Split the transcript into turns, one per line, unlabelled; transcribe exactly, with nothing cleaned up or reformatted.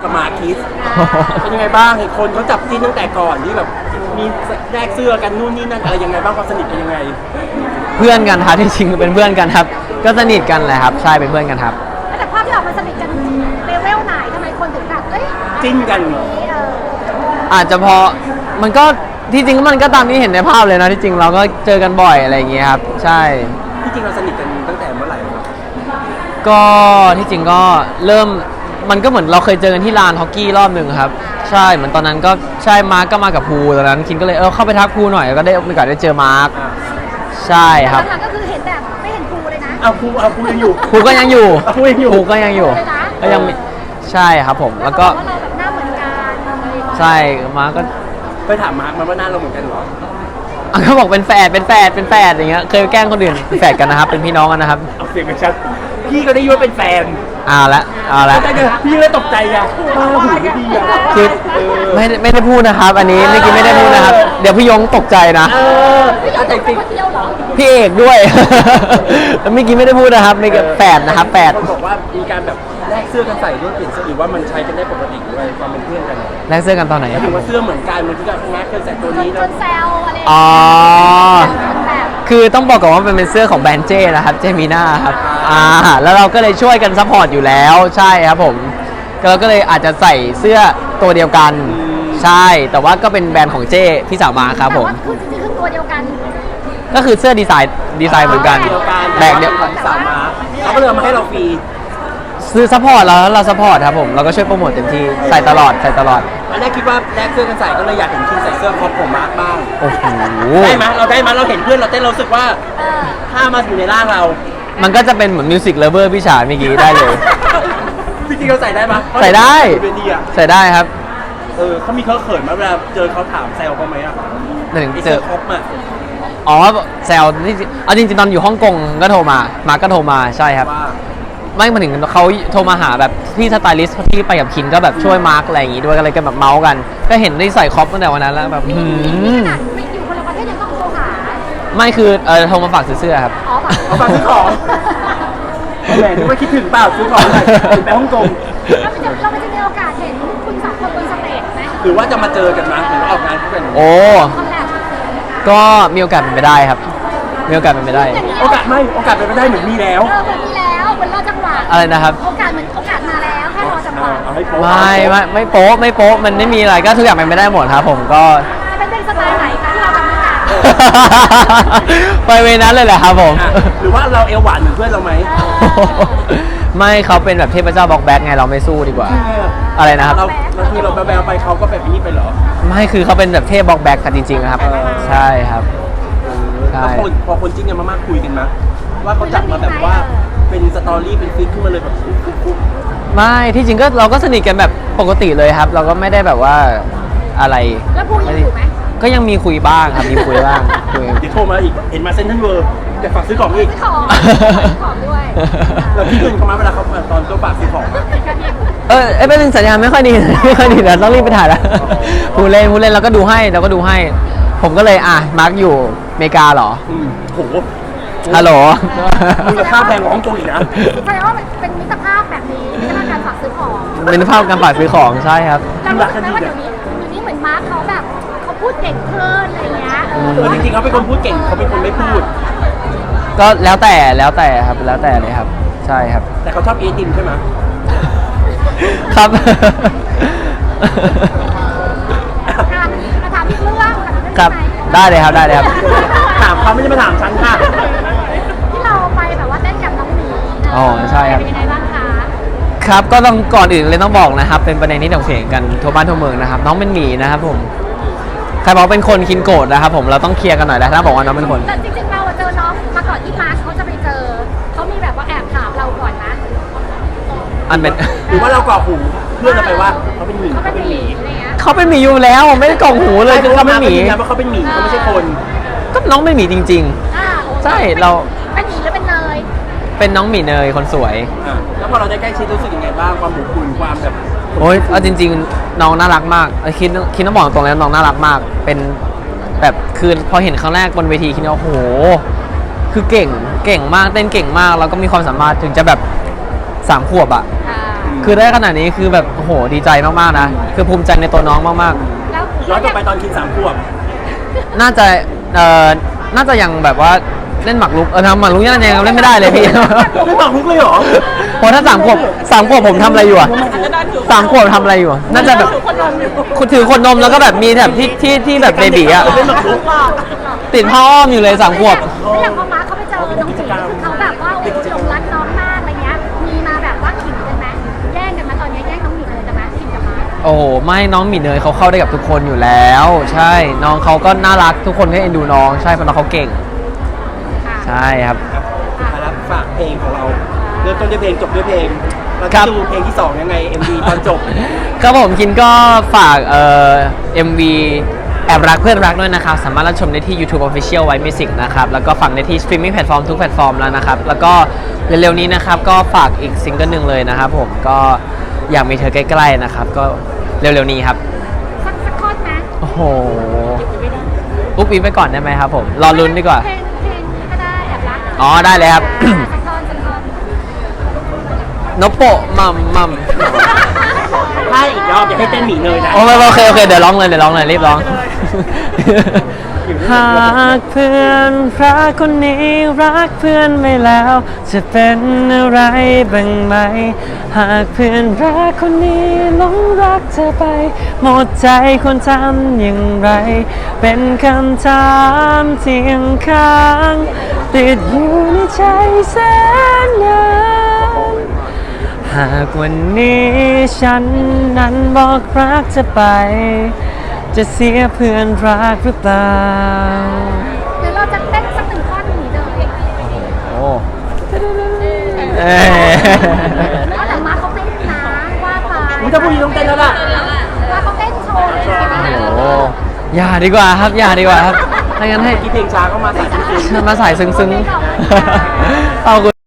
กับหมาคิสเป็นยังไงบ้างเห็นคนเขาจับจิ้นตั้งแต่ก่อนที่แบบมีแลกเสื้อกันนู่นนี่นั่นอะไรยังไงบ้างความสนิทเป็นยังไง
เพื่อนกันครับที่จริงเป็นเพื่อนกันครับก็สนิทกันแหละครับใช่เป็นเพื่อนกันครับ
แต่ภาพที่ออกมาสนิทกันเลเวลไหนทำไมคนถึงแบบเอ้ย
จิ้นกัน
อาจจะพอมันก็ที่จริงมันก็ตามที่เห็นในภาพเลยนะที่จริงเราก็เจอกันบ่อยอะไรอย่างเงี้ยครับใช่
ที่จริงเราสนิทกันตั้งแต่เมื่อไหร่ครับ
ก็ที่จริงก็เริ่มมันก็เหมือนเราเคยเจอกันที่ลานฮอกกี้รอบหนึ่งครับใช่เหมือนตอนนั้นก็ใช่มาร์กก็มากับภูตอนนั้นคินก็เลยเออเข้าไปทักภูหน่อยก็ได้มีโอกาสได้เจอมาร์กใช่ครับ
หลังๆก็คือเห็นแบบไม่เห็นภูเลยนะ
เอาภูเอาภูยังอยู่
ภูก็ยังอยู่
ภูยังอยู่
ภูก็ยังอยู่ก็ยังใช่ครับผมแล้วก็
เราแบบหน้าเหมือนกัน
ใช่มาร์กก็
ไปถามมาร์กมันว่าหน้าเราเหมือนกันเหรอ
เขาบอกเป็นแฝดเป็นแฝดเป็นแฝดอย่างเงี้ยเคยแกล้งคนอื่นเป็นแฝดกันนะครับเป็นพี่น้องกันนะครับ
เอาเสียงกันชัดพี่ก็ได้ยินว่าเป็นแฟน
เอาละเอาละ
พี่เลยตกใจไงมาหูไม่ดีอ่ะ
คือไม่ไม่ได้พูดนะครับอันนี้เมื่อกี้ไม่ได้พูดนะครับเดี๋ยวพี่ยงตกใจนะ
เออแต่จริง
พี่เอกด้วยเมื่อกี้ไม่ได้พูดนะครับไม่แฝดนะครับแฝด
คนบอกว่ามีการแบบแลกเสื้อกันใส่ด้วยเปลี่ยนเสื้อหรือว่ามันใช้กันได้ปกติด้วยความเป็นเพื่อนกัน
แลกเสื้อกันตอนไหน
ถือว่าเสื้อเหมือนกันมันคือการแลกเคยใส่ตัวนี้
แล้วแซวอะไร
อ๋อคือต้องบอกก่อนว่ามันเป็นเสื้อของแบรนด์เจนะครับเจมีน่าครับอ่าแล้วเราก็เลยช่วยกันซัพพอร์ตอยู่แล้วใช่ครับผมเราก็เลยอาจจะใส่เสื้อตัวเดียวกันใช่แต่ว่าก็เป็นแบรนด์ของเจพี่สาวมาครับผม
คือจริงๆคือตัวเดียวกัน
ก็คือเสื้อดีไซน์ดีไซน์เหมือนกัน
แบรนด์เดียวกันสาวมาเขาก็เลยมาให้เราฟรี
ซื้อซัพพอร์ตแล้วเราซัพพอร์ตครับผมเราก็ช่วยโปรโมทเต็มที่ใส่ตลอดใส่ตลอด
ตอนแรกคิดว่าแลกเสื้อกันใส่ก็เลยอยากเห็นคินใส่เสื้อครอบผมมาร์กบ้าง
โอ้โห
ได้ไหมเราได้ไหมเราเห็นเพื่อนเราเต้นเราสึกว่าถ้ามาอยู่ในร่างเรา
มันก็จะเป็นเหมือนมิวสิกเลเวอร์พี่ฉาเมื่อกี้ได้เลย
จริงๆเราใส่ได้ไหม
ใส่ได้ใส่ได้ครับ
เออเขามีเขาเขินไหมเวลาเจอเขาถามแซวเขาไหมอ่ะ
หนึ่งเจอ
ครบอ่ะ
อ๋อแซวนี่เอาจริงๆตอนอยู่ฮ่องกงก็โทรมามาก็โทรมาใช่ครับไม่มาถึงเขาโทรมาหาแบบที่สไตลิสต์ที่ไปกับคินก็แบบช่วยมาร์กอะไรอย่างงี้ด้วยก็เลยกันแบบเมาส์กันก็เห็นได้ใส่ครอปตั้งแต่วันนั้นแล้วแบบหืม
ไม่อยู่คนละประเทศยังต้องโทรหา
ไม่คือเออโทรมาฝากซื้อเสื้อครับ
อ๋อ
ฝากซื้อของแหมนึกว่าคิดถึงเปล่าซื้อของอะไรไปฮ่องกง
เราจะเราจะมีโอกาสเห็นคุณสองคนบนสเตจไหม
หรือว่าจะมาเจอกันมั้ยหรือออกงานกัน
โอ้ก็มีโอกาสเป็นไปได้ครับมีโอกาสเป็นไปได้
โอกาสไม่โอกาสเป็นไปได้เหมือนมีแล้ว
เออเหมือนมีแล้วเหมือนรอจังหวะ
อะไรนะครับ
โอกาสเหมือนโอกาสมาแล้วแค่รอจังหวะ
ไม่ไม่ไม่โป๊ะไม่โป๊ะมันไม่มีอะไรก็ทุกอย่างเป็นไปได้หมดครับผมก็
เป็นเป็นสไตล์ไหนคะที่เราทำด้วยกัน
ไปเวนั้นเลยแหละครับผม
หรือว่าเราเอวหวานเหมือนเพื่อนเราไหม
ไม่เขาเป็นแบบเทพเจ้าบล็อกแบ็กไงเราไม่สู้ดีกว่าอะไรนะครับ
เราเราคือเราแบลไปเขาก็แบบนี้ไปเหรอ
ไม่คือเขาเป็นแบบเทพบล็อกแบ็กกันจริงๆครับใช่ครับ
ใช่พอคนจริงกันมากๆคุยกันมั้ยว่าเขาจับมาแบบว่าเป็นสตอรี่เป็นฟิกขึ้นมาเลยแบบ
ไม่ที่จริงก็เราก็สนิทกันแบบปกติเลยครับเราก็ไม่ได้แบบว่าอะไร
แล้วพูดยังอยู่ไหม
ก็ยังมีคุยบ้างครับมีคุยบ้างคุย
เดี๋ยวโทรมาอีกเห็นมาเซ็นทรัลเวิลด์แต่ฝากซื้อของอีก
ซื้อของของด้วย
แล้วพี่เงินเขามาเวลาเขาตอนเขาฝากซื้อของ
เออเอ้เป็นสัญญาณไม่ค่อยดีไม่ค่อยดีเดี๋ยวต้องรีบไปถ่ายแล้วพูดเล่นพูดเล่นเราก็ดูให้เราก็ดูให้ผมก็เลยอ่ะมาร์กอยู่อเมริกาเหรอ
โห
ฮัลโหล
มูลค่าแพงกว่าฮ่องกงอีกนะ
แสดงว่าเป็นมิตรภาพแบบนี้มิตรภาพการฝากซื้อของ
เป็นมิตรภาพการฝากซื้อของใช่ครับ
แล้วรู้สึกไหมว่าเดี๋ยวนี้เดี๋ยวนี้เหมือนมาร์คเขาแบบเขาพูดเก่งขึ้นอะไรเงี้ยเอ
อจริงๆเขาเป็นคนพูดเก่งเขาเป็นคนไม่พูด
ก็แล้วแต่แล้วแต่ครับแล้วแต่เลยครับใช่ครับ
แต่เขาชอบเอติมใช่ไหม
ครับ
มาถามพี่เรื่อง
ครับได้เลยครับได้เลยครับ
ถามเขาไม่ใช่มาถามฉันค่ะ
ที่เราไปแบบว่าเต้นกับน้องหมี
อ๋อใช่ครับ
เป็นยังไงบ้างคะ
ครับก็ต้องก่อนอื่นเลยต้องบอกนะครับเป็นประเด็นที่ถกเถียงกันทั่วบ้านทั่วเมืองนะครับน้องเป็นหมีนะครับผมใครบอกเป็นคนคินโกรธนะครับผมเราต้องเคลียร์กันหน่อยแล้วถ้าบอกว่าน้องเป็นคน
แต่จริงๆเราเจอน้องมาก่อนที่มาร์คเขาจะไปเจอเขามีแบบว่าแอบถามเราก่อนนะ
อันเป็น
หรือว่าเรากรอกหูเพื่อนเราไปว่าเขาเป็นหมี
เขาเป็นหมี
เขาเป็นหมีอยู่แล้วไม่ได้กรอกหูเลยคือเขาเป็นหมี
เพราะเขาเป็นหมีเขาไม่ใช่คน
ก็น้องเป็นหมีจริงๆใช่เรา
เป็นหมีหรือเป็นเนย
เป็นน้องหมีเนยคนสวย
แล้วพอเราได้ใกล้ชิดรู้สึกยังไงบ้างความอบอุ่นความแบบ
โอ้ยเอาจริงๆน้องน่ารักมากคิดคิดต้องบอกตรงแล้วน้องน่ารักมากเป็นแบบคือพอเห็นครั้งแรกบนเวทีคิดว่าโอ้โหคือเก่งเก่งมากเต้นเก่งมากแล้วก็มีความสามารถถึงจะแบบสามขวบอ่ะคือได้ขนาดนี้คือแบบโอ้โหดีใจมากๆนะคือภูมิใจในตัวน้องมาก
แล้ว
ย้อนกลับไปตอนคิดสามขวบ
ๆน่าจะเอ่อน่าจะยังแบบว่าเล่นหมากรุกเออทำหมากรุกยังยังเล่นไม่ได้เลยพี่
ไม่ตอบลุกเลยเหรอ
เพราะถ้าสามขวบสามขวบผมทำอะไรอยู่อะสามขวบทำอะไรอยู่อะน่าจะแบบคุณถือคนนมแล้วก็แบบมีแบบที่ที่ที่แบบเบบีอะติดผ้าอ้อมอยู่เลยสามขวบ
แล้วอย่างพอมาร์คเขาไปเจอน้องจีคือเขาแบบว่าโอ้หลงรักน้องมากอะไรเงี้ยมีมาแบบว่าขิงกันไหมแย่งกันมาตอนนี้แย่งน้องหมีเลยแต่มาขิงกับมาร์ค
โอ้โหไม่น้องหมีเนยเขาเข้าได้กับทุกคนอยู่แล้ว ใช่น้องเขาก็น่ารักทุกคนก็เอ็นดูน้องใช่เพราะน้องเขาเก่ง
ค่ะ
ใช่ครับ
สุดท้ายแล้วฝากเพลงของเราเริ่มต้นด้วยเพลงจบด้วยเพลงเรา
ครั
จะ
บ
ดูเพลงที่สองยังไง เอ็ม วี ตอนจบ
ครับผมคินก็ฝากเอ่อ เอ็ม วี แอบรักเพื่อนรักด้วยนะครับ สามารถรับชมได้ที่ YouTube Official White Music นะครับ แล้วก็ฟังได้ที่ Streaming Platform ทุกแพลตฟอร์มแล้วนะครับ แล้วก็เร็วๆนี้นะครับ ก็ฝากอีกซิงเกิลหนึ่งเลยนะครับผมก็อยากมีเธอใกล้ๆนะครับ ก็เร็วๆนี้ครับ
สักสักข้อไหม
โอ้โหอุ๊บอิ๊บไปก่อนได้ไหมครับผม รอลุ้นดีกว่า
เพลงเพลงก็ได้แอบรัก
อ๋อได้เลยครับ
สักท่อนสักท่อน
นโปะมัมมัม
ถ้าอีกรอบอย่าให้เต้นหมีเนยนะ
โอเคโอเคโอเคเดี๋ยวร้องเลยเดี๋ยวร้องเลยรีบร้อง หากเพื่อนรักคนนี้รักเพื่อนไม่แล้ว จะเป็นอะไรบ้างไหม หากเพื่อนรักคนนี้หลงรักเธอไป หมดใจควรทำอย่างไร เป็นคำถามที่ยังค้างติดอยู่ในใจแสนนานหากวันนี้ฉันนั้นบอกรักจะไป จะเสียเพื่อนรักหรือเปล่า
เดี๋ยวเราจะเต้นสักหนึ่งท่อนหมีเลย
โอ้เอ้ย
เอาแต่มาร์คเขาเต้นนะว่าไป
อุ๊ยถ้าพรุ่งนี้ต้องเต้นแล้วล่ะ
ว่าเขาเต้นโชว์เลยนะ
โอ้อย่าดีกว่าครับ อย่าดีกว่าครับถ้างั้นให้
กี่เพลงช้าก็มาใส่เพลง
มาสายซึ้งๆ
โอเคขอบคุณค่ะ
เอาคุณ